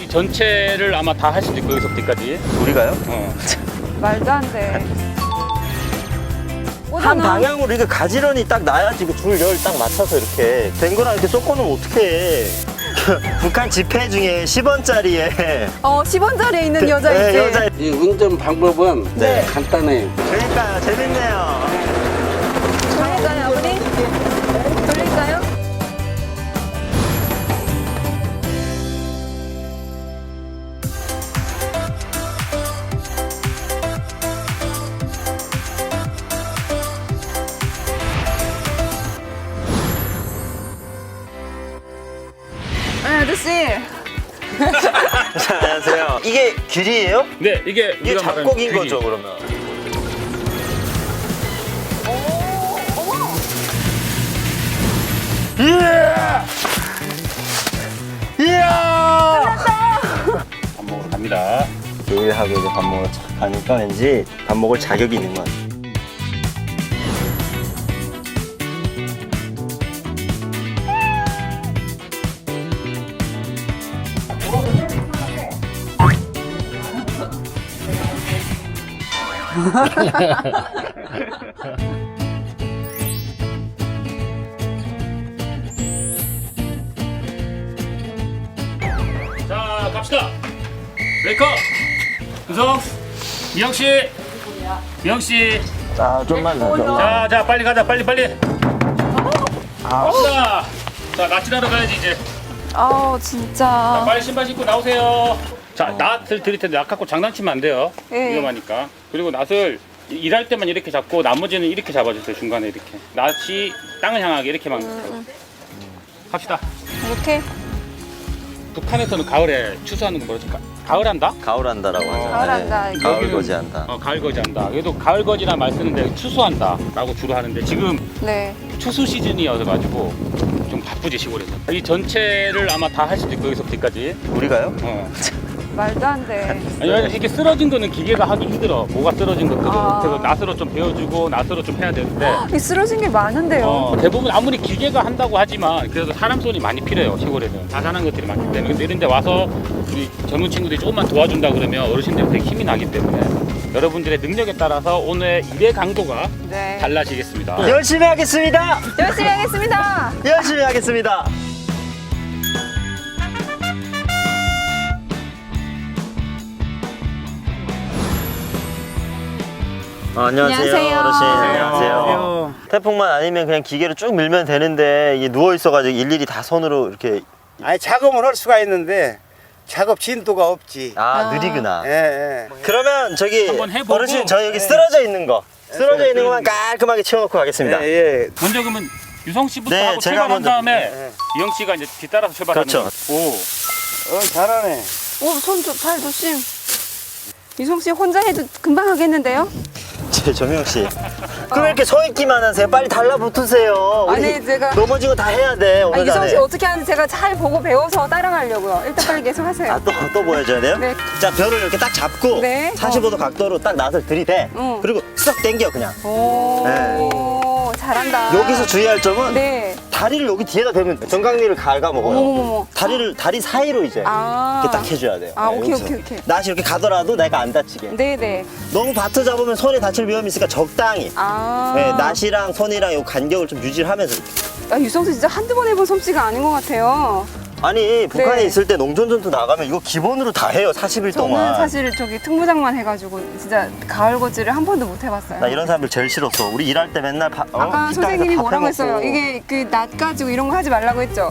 이 전체를 아마 다 할 수도 있고 여기서부터까지. 우리가요? 말도 안 돼. 한 방향으로 이렇게 가지런히 딱 놔야지 그 줄 열 딱 맞춰서 이렇게 된 거랑 이렇게 쏟고는 어떡해. 북한 지폐 중에 10원짜리에 10원짜리에 있는 여자 있지? 여자. 이 운전 방법은 네. 간단해요. 그러니까 재밌네요. 돌릴까요, 아버님? 돌릴까요? 아저씨. 자, 안녕하세요. 이게 길이에요? 네, 이게 이게 우리가 말하는 잡곡인 귀리. 거죠, 그러면? 이야! 이야! 밥 먹으러 갑니다. 요리하고 이제 밥 먹으러 착 가니까 왠지 밥 먹을 자격이 있는 것 같아요. 자, 갑시다. 브레이커. 우성, 이영 씨, 이영 씨. 자, 좀만 더. 자, 빨리 가자, 빨리. 갑시다. 자, 낯질하러 가야지 이제. 자, 진짜. 빨리 신발 신고 나오세요. 자, 낫을 드릴 텐데 낫 갖고 장난치면 안 돼요. 예. 위험하니까. 그리고 낫을 일할 때만 이렇게 잡고 나머지는 이렇게 잡아주세요. 중간에 이렇게. 낫이 땅을 향하게 이렇게만. 갑시다. 이렇게? 북한에서는 가을에 추수하는 거 뭐라지? 가을한다? 가을한다라고 하죠. 가을한다, 네. 이게. 가을 거지한다. 가을 거지한다. 그래도 가을 거지란 말 쓰는데 추수한다라고 주로 하는데 지금 네. 추수 시즌이어서 가지고 좀 바쁘지 시골에서. 이 전체를 아마 다 할 수도 있고 여기서부터까지. 우리가요? 말도 안 돼. 아니, 이렇게 쓰러진 거는 기계가 하기 힘들어. 뭐가 쓰러진 것들은. 아. 그래서 낫으로 좀 배워주고 낫으로 좀 해야 되는데. 이 쓰러진 게 많은데요. 대부분 아무리 기계가 한다고 하지만 그래도 사람 손이 많이 필요해요. 시골에는 자잘한 것들이 많기 때문에. 근데 이런 데 와서 우리 젊은 친구들이 조금만 도와준다 그러면 어르신들이 되게 힘이 나기 때문에 여러분들의 능력에 따라서 오늘 일의 강도가 네. 달라지겠습니다. 열심히 하겠습니다. 열심히 하겠습니다. 열심히 하겠습니다. 안녕하세요, 안녕하세요. 어르신. 안녕하세요. 태풍만 아니면 그냥 기계로 쭉 밀면 되는데 이게 누워 있어가지고 일일이 다 손으로 이렇게 아니 작업은 할 수가 있는데 작업 진도가 없지. 느리구나. 예, 예. 그러면 저기 한번 해보고. 어르신 저 여기 쓰러져 있는 거 쓰러져 있는 것만 깔끔하게 치워놓고 가겠습니다. 예, 예. 먼저 그러면 유성 씨부터 네, 하고 제가 출발한 먼저. 다음에 네. 이영 씨가 이제 뒤따라서 출발하는 그렇죠. 거예요. 잘하네. 잘 조심. 유성 씨 혼자 해도 금방 하겠는데요? 제 정영 씨. 그럼 이렇게 서 있기만 하세요. 빨리 달라붙으세요. 우리 아니, 제가- 넘어지고 다 해야 돼. 오늘 유성 안에. 씨 어떻게 하는지 제가 잘 보고 배워서 따라가려고요. 일단 빨리 계속 하세요. 또 보여줘야 돼요? 네. 자, 별을 이렇게 딱 잡고 네. 45도 각도로 딱 낫을 들이대. 응. 그리고 쓱 당겨 그냥. 오, 잘한다. 여기서 주의할 점은 네. 다리를 여기 뒤에다 대면 정강리를 갉아 먹어요. 어머머머. 다리 사이로 이제 아. 이렇게 딱 해줘야 돼요. 아, 오케이, 여기서. 오케이. 낫이 이렇게 가더라도 내가 안 다치게. 네네. 너무 바트 잡으면 손에 다칠 위험이 있으니까 적당히. 아. 네, 낫이랑 손이랑 요 간격을 좀 유지를 하면서 이렇게. 유성 씨 진짜 한두 번 해본 솜씨가 아닌 것 같아요. 아니 북한에 네. 있을 때 농촌전투 나가면 이거 기본으로 다 해요. 40일 저는 동안. 사실 저기 특무장만 해가지고 진짜 가을 거지를 한 번도 못 해봤어요. 나 이런 사람들 제일 싫었어. 우리 일할 때 맨날 아까 식당에서 선생님이 밥 뭐라고 해먹고. 했어요? 이게 그 낫 가지고 이런 거 하지 말라고 했죠?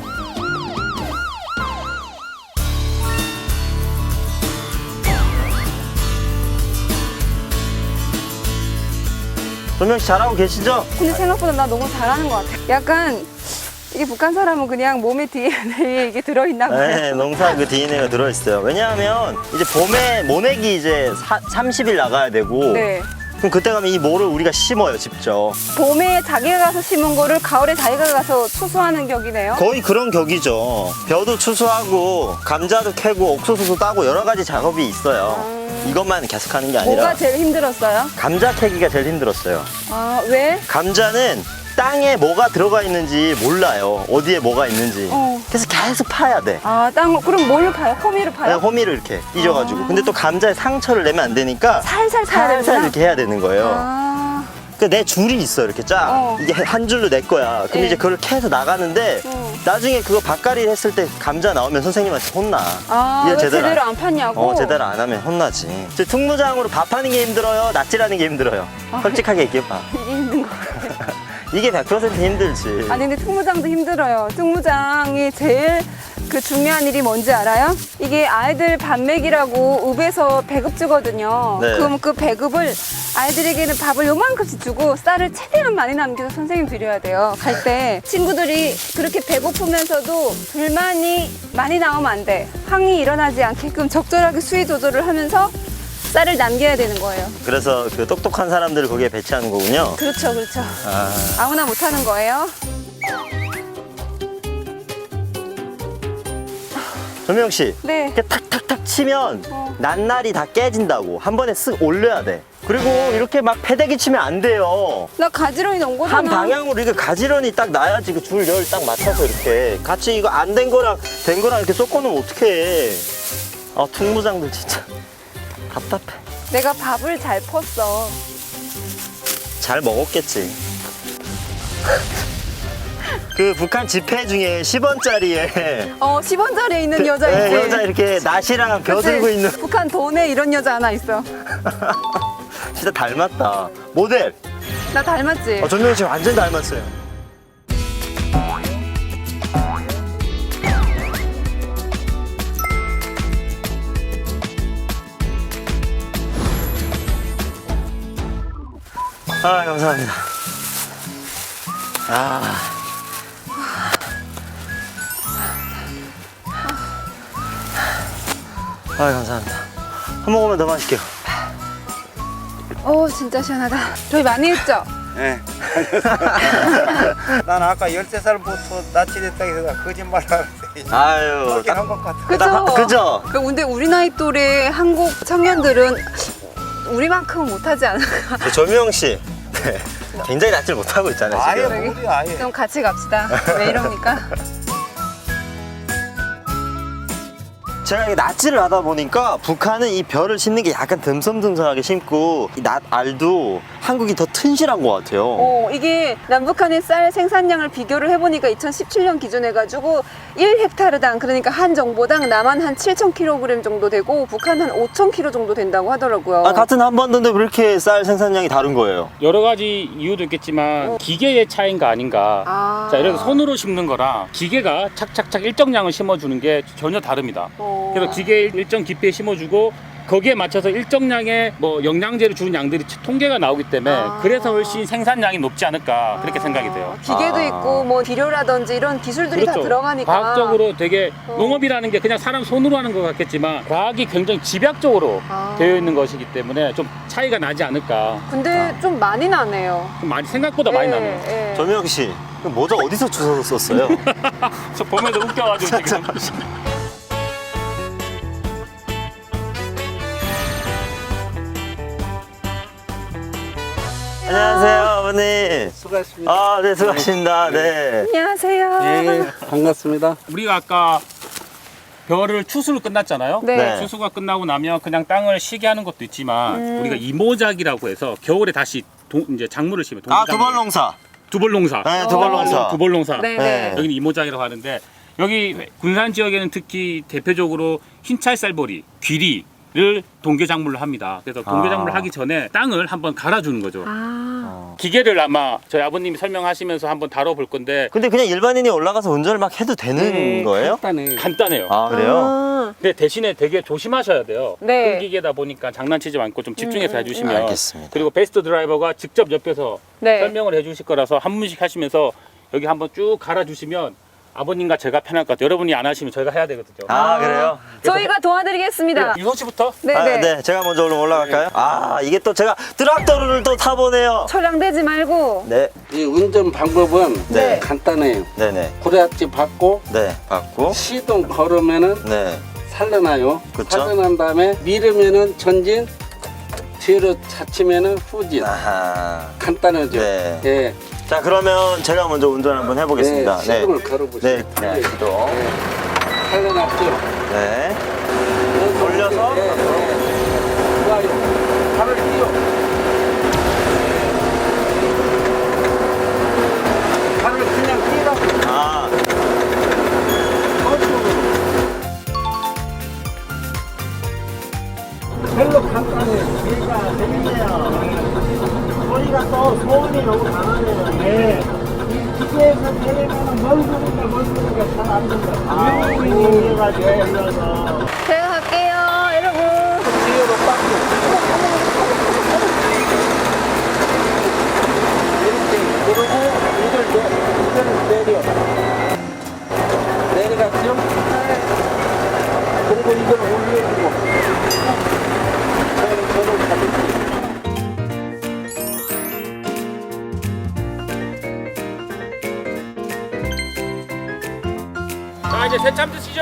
조명 씨 잘하고 계시죠? 근데 생각보다 나 너무 잘하는 것 같아. 약간 이게 북한 사람은 그냥 몸에 DNA에 이게 들어있나 봐요. 네, 농사 그 DNA가 들어있어요. 왜냐하면 이제 봄에 모내기 이제 30일 나가야 되고 네. 그럼 그때 가면 이 모를 우리가 심어요, 직접. 봄에 자기가 가서 심은 거를 가을에 자기가 가서 추수하는 격이네요. 거의 그런 격이죠. 벼도 추수하고 감자도 캐고 옥수수도 따고 여러 가지 작업이 있어요. 이것만 계속하는 게 아니라 뭐가 제일 힘들었어요? 감자 캐기가 제일 힘들었어요. 아, 왜? 감자는 땅에 뭐가 들어가 있는지 몰라요. 어디에 뭐가 있는지. 그래서 계속 파야 돼. 아, 그럼 뭘로 파요? 호미로 파요? 호미를 이렇게 빚어가지고. 근데 또 감자에 상처를 내면 안 되니까 살살 파야 살살 되구나. 이렇게 해야 되는 거예요. 아, 그러니까 내 줄이 있어 이렇게 쫙. 이게 한 줄로 내 거야. 그럼 네. 이제 그걸 캐서 나가는데 나중에 그거 밭갈이 했을 때 감자 나오면 선생님한테 혼나. 왜 이거 제대로 안 팠냐고? 제대로 안 하면 혼나지. 이제 특무장으로 밥하는 게 힘들어요? 낫질하는 게 힘들어요? 솔직하게 얘기해봐. 이게 힘든 거 같아요. 이게 100% 힘들지. 아니 근데 특무장도 힘들어요. 특무장이 제일 중요한 일이 뭔지 알아요? 이게 아이들 밥 먹이라고 읍에서 배급 주거든요. 네. 그럼 그 배급을 아이들에게는 밥을 요만큼씩 주고 쌀을 최대한 많이 남겨서 선생님 드려야 돼요. 갈 때 친구들이 그렇게 배고프면서도 불만이 많이 나오면 안 돼. 항의 일어나지 않게끔 적절하게 수위 조절을 하면서 쌀을 남겨야 되는 거예요. 그래서 그 똑똑한 사람들을 거기에 배치하는 거군요. 그렇죠, 그렇죠. 아무나 못하는 거예요. 조명 씨. 네. 이렇게 탁탁탁 치면 낱날이 다 깨진다고. 한 번에 쓱 올려야 돼. 그리고 이렇게 막 패대기 치면 안 돼요. 나 가지런히 넣은 거잖아. 한 방향으로 이렇게 가지런히 딱 놔야지 그 줄 열 딱 맞춰서 이렇게 같이 이거 안 된 거랑 된 거랑 이렇게 섞어놓으면 어떡해. 특무장들 진짜 답답해. 내가 밥을 잘 펐어. 잘 먹었겠지. 그 북한 지폐 중에 10원짜리에 10원짜리에 있는 여자 있지. 여자 이렇게 낫이랑 벼 그치? 들고 있는 북한 돈에 이런 여자 하나 있어. 진짜 닮았다. 모델. 나 닮았지? 전명희 씨 완전 닮았어요. 감사합니다. 감사합니다. 한 모금만 더 마실게요. 진짜 시원하다. 저희 많이 했죠? 예. 난 아까 13살부터 납치됐다고 해서 거짓말을 하는데 아유, 그렇게 한것 같아. 그죠? 그죠? 근데 우리 나이 또래 한국 청년들은 우리만큼은 못하지 않을까? 조명 씨. 네. 굉장히 낫질 못하고 있잖아요, 아예 지금. 모르요 아예. 그럼 같이 갑시다. 왜 이럽니까? 제가 이게 낫질을 하다 보니까 북한은 이 벼를 심는 게 약간 듬성듬성하게 심고 이 낫 알도 한국이 더 튼실한 것 같아요. 이게 남북한의 쌀 생산량을 비교를 해보니까 2017년 기준 해가지고 1헥타르당 그러니까 한 정보당 남한 한 7,000kg 정도 되고 북한 한 5,000kg 정도 된다고 하더라고요. 같은 한반도인데 왜 이렇게 쌀 생산량이 다른 거예요? 여러 가지 이유도 있겠지만 기계의 차이인가 아닌가. 자, 이렇게 손으로 심는 거랑 기계가 착착착 일정량을 심어주는 게 전혀 다릅니다. 그래서 기계 일정 깊이에 심어주고 거기에 맞춰서 일정량의 영양제를 주는 양들이 통계가 나오기 때문에 그래서 훨씬 생산량이 높지 않을까 그렇게 생각이 돼요. 기계도 있고 비료라든지 이런 기술들이 다 들어가니까 과학적으로 되게 농업이라는 게 그냥 사람 손으로 하는 것 같겠지만 과학이 굉장히 집약적으로 되어 있는 것이기 때문에 좀 차이가 나지 않을까. 근데 좀 많이 나네요. 좀 많이 생각보다 많이 나네요. 조명 씨, 모자 어디서 주워서 썼어요? 저 보면서 웃겨가지고 지금. 안녕하세요, 아버님. 수고하셨습니다. 네, 수고하십니다. 네. 안녕하세요. 예, 반갑습니다. 우리가 아까 벼를 추수를 끝났잖아요. 네. 추수가 끝나고 나면 그냥 땅을 쉬게 하는 것도 있지만 우리가 이모작이라고 해서 겨울에 다시 이제 작물을 심어요. 두벌농사. 두벌농사. 네, 두벌농사. 두벌농사. 네. 네. 여기는 이모작이라고 하는데 여기 군산 지역에는 특히 대표적으로 흰찰쌀보리, 귀리를 동계작물로 합니다. 그래서 동계작물을 하기 전에 땅을 한번 갈아주는 거죠. 기계를 아마 저희 아버님이 설명하시면서 한번 다뤄볼 건데 근데 그냥 일반인이 올라가서 운전을 막 해도 되는 거예요? 간단해요. 그래요? 근데 대신에 되게 조심하셔야 돼요. 네. 큰 기계다 보니까 장난치지 않고 좀 집중해서 해주시면. 알겠습니다. 그리고 베스트 드라이버가 직접 옆에서 네. 설명을 해주실 거라서 한 분씩 하시면서 여기 한번 쭉 갈아주시면 아버님과 제가 편할 것 같아요. 여러분이 안 하시면 저희가 해야 되거든요. 그래요? 저희가 도와드리겠습니다. 유성 씨부터. 네네. 네, 제가 먼저 얼른 올라갈까요? 이게 또 제가 트랙터를 또 타보네요. 철량되지 말고. 네, 이 운전 방법은 네. 간단해요. 네네. 고래압지 받고 네, 받고. 시동 걸으면은 네. 살려놔요. 그쵸. 살려난 다음에 밀으면은 전진, 뒤로 차치면은 후진. 아하. 간단하죠. 네. 예. 자, 그러면 제가 먼저 운전 한번 해보겠습니다. 네, 시동을 걸어보세요. 네, 네, 시동. 살려놨죠? 네. 돌려서. 네, 네. 좋아요. 팔을 띄워. 팔을 그냥 띄라고. 아, 별로 간단해요. 얘가 재밌네요. 소리가 또 소음이 너무 강하네요. 네. 이 기계에서 내리면은 멀 소리가 잘 안 된다. 아, 이래가지고 올려서. 제가 갈게요, 여러분. 뒤로 빡. 이렇게 그러고 이걸 내려. 내려갔죠? 그리고 이걸 올려주고. 저를 잡을게요. 자 이제 새참 드시죠.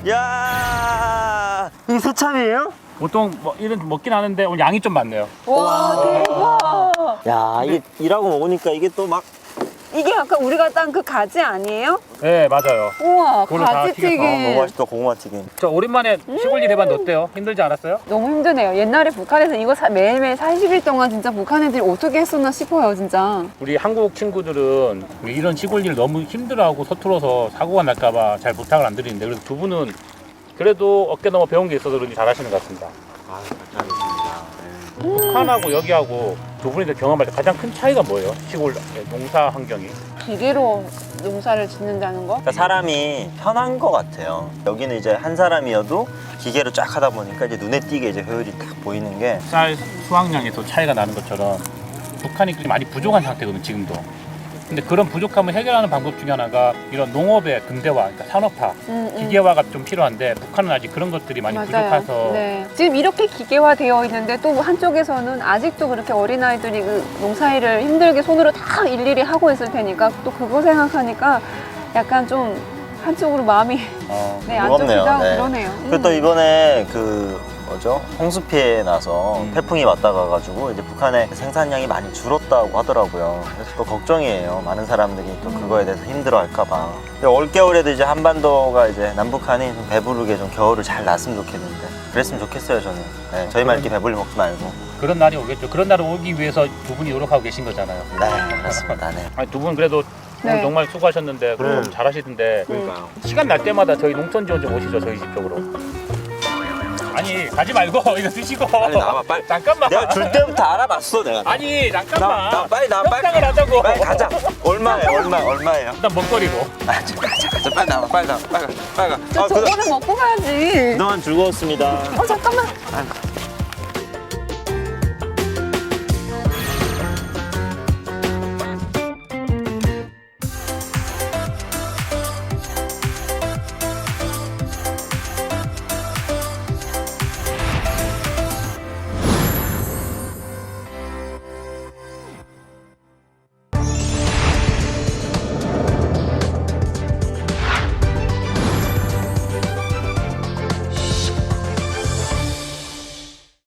야, 이 새참이에요? 보통 뭐 이런 먹긴 하는데 오늘 양이 좀 많네요. 와, 대박. 야, 이게 일하고 먹으니까 이게 또 막. 이게 아까 우리가 딴 그 가지 아니에요? 네 맞아요. 우와, 그걸로 다 가지튀김. 너무 맛있다, 고구마 튀김. 저 오랜만에 시골 일 해봤는데 어때요? 힘들지 않았어요? 너무 힘드네요. 옛날에 북한에서 이거 매일매일 40일 동안 진짜 북한 애들이 어떻게 했었나 싶어요, 진짜. 우리 한국 친구들은 이런 시골 일 너무 힘들어하고 서툴러서 사고가 날까봐 잘 부탁을 안 드리는데 그래도 두 분은 그래도 어깨 넘어 배운 게 있어서 그런지 잘하시는 것 같습니다. 북한하고 여기하고 두 분이 경험할 때 가장 큰 차이가 뭐예요? 시골 농사 환경이? 기계로 농사를 짓는다는 거? 그러니까 사람이 편한 것 같아요. 여기는 이제 한 사람이어도 기계로 쫙 하다 보니까 이제 눈에 띄게 이제 효율이 딱 보이는 게. 쌀 수확량에서 차이가 나는 것처럼 북한이 많이 부족한 상태거든요, 지금도. 근데 그런 부족함을 해결하는 방법 중에 하나가 이런 농업의 근대화, 그러니까 산업화, 기계화가 좀 필요한데 북한은 아직 그런 것들이 많이 부족해서 네. 지금 이렇게 기계화되어 있는데 또 한쪽에서는 아직도 그렇게 어린아이들이 그 농사일을 힘들게 손으로 다 일일이 하고 있을 테니까 또 그거 생각하니까 약간 좀 한쪽으로 마음이 네, 안 무겁네요. 좋기도 하고 네. 그러네요. 그리고 또 이번에 그 뭐죠? 홍수 피해 나서 태풍이 왔다 가가지고 이제 북한의 생산량이 많이 줄었다고 하더라고요. 그래서 또 걱정이에요. 많은 사람들이 또 그거에 대해서 힘들어할까봐. 올겨울에도 이제 한반도가 이제 남북한이 좀 배부르게 좀 겨울을 잘 났으면 좋겠는데 그랬으면 좋겠어요, 저는. 네, 저희만 이렇게 배불리 먹지 말고. 그런 날이 오겠죠. 그런 날이 오기 위해서 두 분이 노력하고 계신 거잖아요. 네, 그렇습니다. 네. 아니, 두 분 그래도 오늘 네. 정말 수고하셨는데 너무 잘하시던데 그러니까요. 시간 날 때마다 저희 농촌 지원 좀 오시죠, 저희 집 쪽으로. 아니 가지 말고 이거 드시고. 빨리 나와봐, 빨리. 잠깐만. 내가 줄 때부터 알아봤어, 내가. 아니 잠깐만. 나 빨리 나 빨리. 협상을 하자고. 빨리 가자. 얼마예요? 일단 먹거리로. 아, 가자. 빨리 나와, 빨리 가. 저거는 먹고 가야지. 그동안 즐거웠습니다. 잠깐만.